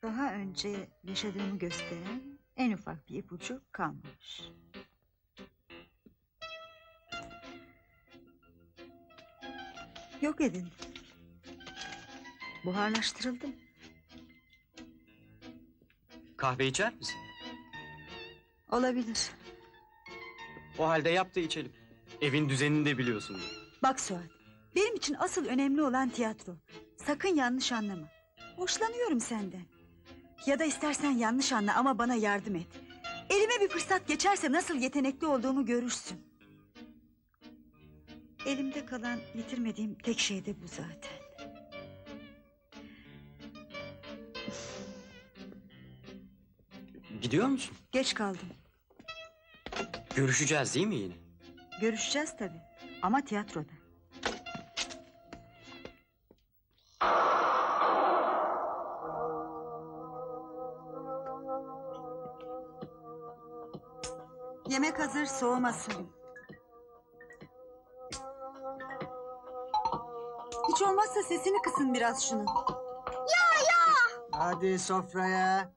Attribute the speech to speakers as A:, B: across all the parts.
A: Daha önce yaşadığımı gösteren en ufak bir ipucu kalmamış. Yok edildim. Buharlaştırıldım.
B: Kahve içer misin?
A: Olabilir.
B: O halde yap da içelim. Evin düzenini de biliyorsun.
A: Bak Suat, benim için asıl önemli olan tiyatro. Sakın yanlış anlama. Hoşlanıyorum senden. Ya da istersen yanlış anla ama bana yardım et. Elime bir fırsat geçerse nasıl yetenekli olduğumu görürsün. Elimde kalan yitirmediğim tek şey de bu zaten.
B: Gidiyor musun?
A: Geç kaldım.
B: Görüşeceğiz değil mi yine?
A: Görüşeceğiz tabii. Ama tiyatroda. Yemek hazır, soğumasın. Hiç olmazsa sesini kısın biraz şunu.
C: Hadi sofraya.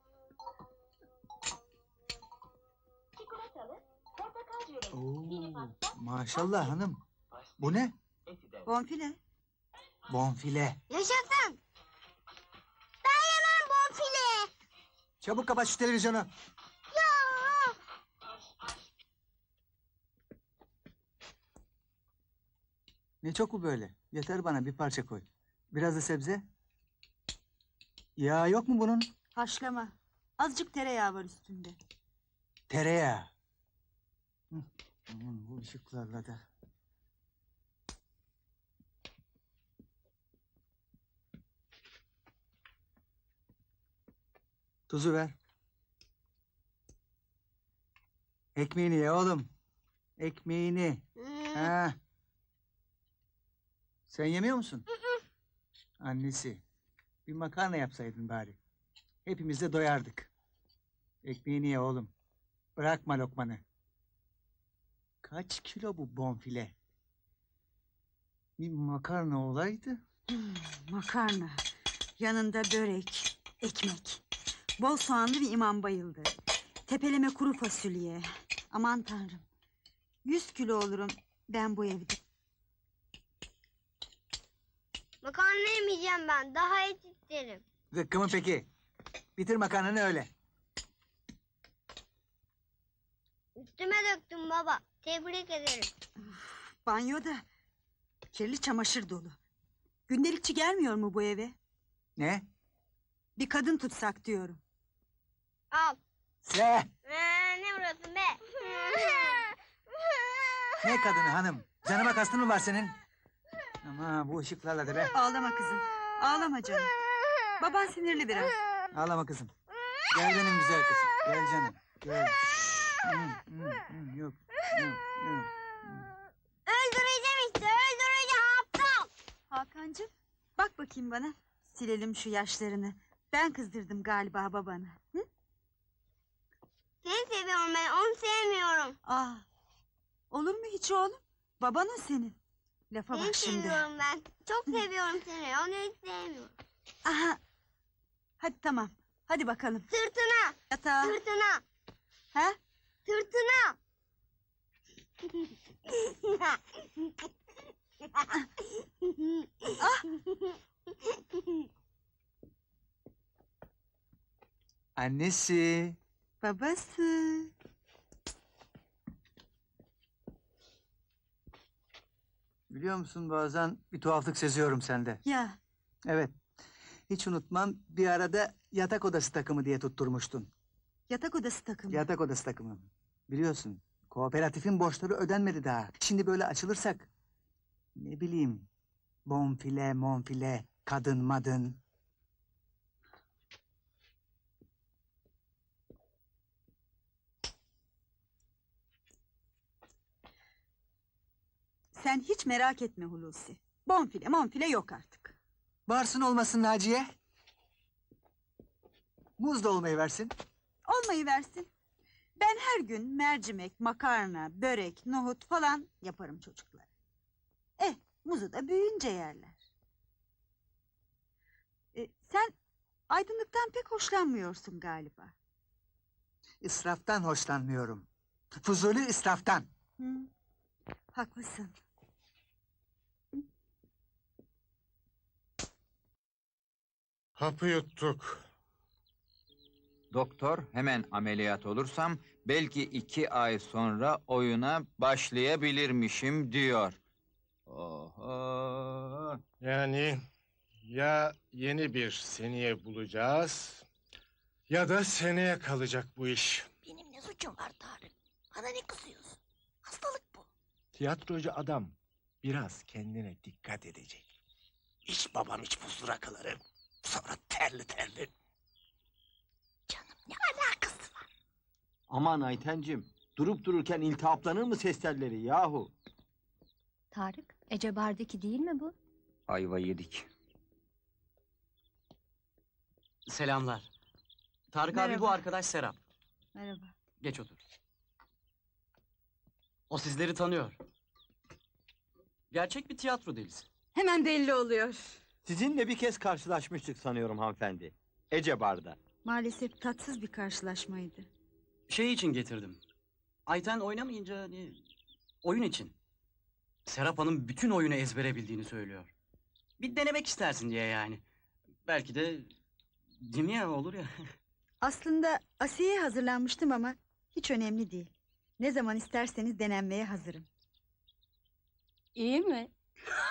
C: Oo, maşallah hanım. Bu ne?
A: Bonfile.
C: Bonfile.
D: Yaşasın. Ben yemem bonfile.
C: Çabuk kapat şu televizyonu.
D: Ya.
C: Ne çok bu böyle? Yeter bana, bir parça koy. Biraz da sebze. Yağ yok mu bunun?
A: Haşlama. Azıcık tereyağı var üstünde.
C: Tereyağı. Hı, aman bu ışıklarla da. Tuzu ver. Ekmeğini ye oğlum. Ekmeğini. Ha. Sen yemiyor musun? Annesi. Bir makarna yapsaydın bari. Hepimiz de doyardık. Ekmeğini ye oğlum. Bırakma lokmanı. Kaç kilo bu bonfile? Bir makarna olaydı.
A: Makarna. Yanında börek, ekmek. Bol soğanlı bir imam bayıldı. Tepeleme kuru fasulye. Aman tanrım. 100 kilo olurum ben bu evde.
D: Makarna yemeyeceğim ben. Daha et isterim.
C: Zıkkımı peki. Bitir makarnanı öyle.
D: Üstüme döktüm baba. Tebrik ederim.
A: Banyoda kirli çamaşır dolu. Gündelikçi gelmiyor mu bu eve?
C: Ne?
A: Bir kadın tutsak diyorum.
D: Al.
C: Se.
D: Ne burası be?
C: Ne kadını hanım? Canıma kastın mı var senin? Ama bu ışıklarla da be.
A: Ağlama kızım. Ağlama canım. Baban sinirli biraz.
C: Ağlama kızım. Gel benim güzel kızım. Gel canım. Gel. Yok. Yok.
D: Öldüreceğim işte. Öldüreceğim aptal.
A: Hakan'cığım bak bakayım bana. Silelim şu yaşlarını. Ben kızdırdım galiba babanı. Hı?
D: Seni seviyorum ben. Onu sevmiyorum.
A: Olur mu hiç oğlum? Baban o senin. Lafa
D: Seni
A: bak şimdi.
D: seviyorum ben. Çok seviyorum seni. Onu hiç sevmiyorum.
A: Aha. Hadi tamam. Hadi bakalım.
D: Sırtına.
A: Yatağa.
D: Sırtına.
A: Ha?
D: Sırtına.
C: Annesi.
A: Babası.
C: Biliyor musun bazen bir tuhaflık seziyorum sende.
A: Ya
C: Evet. Hiç unutmam, bir arada yatak odası takımı diye tutturmuştun.
A: yatak odası takımı.
C: Yatak odası takımı. Biliyorsun, kooperatifin borçları ödenmedi daha. Şimdi böyle açılırsak, ne bileyim, bonfile, monfile, kadın madın.
A: Sen hiç merak etme Hulusi. Bonfile monfile yok artık.
C: Varsın olmasın Naciye. Muz da olmayı versin.
A: Olmayı versin. Ben her gün mercimek, makarna, börek, nohut falan yaparım çocuklara. Muzu da büyüyünce yerler. Sen Aydınlıktan pek hoşlanmıyorsun galiba.
C: İsraftan hoşlanmıyorum. Fuzuli israftan.
A: Hı, haklısın.
E: Hapı yuttuk.
F: Doktor hemen ameliyat olursam belki 2 ay sonra oyuna başlayabilirmişim diyor. Oho.
E: Yani ya yeni bir seneye bulacağız ya da seneye kalacak bu iş.
G: Benim ne suçum var Tarık? Bana ne kızıyorsun? Hastalık bu.
E: Tiyatrocu adam biraz kendine dikkat edecek. İç babam iç buzlu rakıları. Sonra terli terli.
G: Canım ne alakası var?
H: Aman Aytencim, durup dururken iltihaplanır mı ses telleri yahu?
I: Tarık, Ece Bar'daki değil mi bu?
F: Ayva yedik.
B: Selamlar. Tarık abi
A: Merhaba.
B: bu arkadaş Serap.
A: Merhaba.
B: Geç otur. O sizleri tanıyor. Gerçek bir tiyatro delisi.
A: Hemen belli oluyor.
H: Sizinle bir kez karşılaşmıştık sanıyorum hanımefendi. Ece Bar'da.
A: Maalesef tatsız bir karşılaşmaydı.
B: Şey için getirdim. Ayten oynamayınca hani oyun için. Serap Hanım bütün oyunu ezbere bildiğini söylüyor. Bir denemek istersin diye yani. Belki de değil mi ya, olur ya.
A: Aslında Asiye'ye hazırlanmıştım ama hiç önemli değil. Ne zaman isterseniz denenmeye hazırım.
I: İyi mi?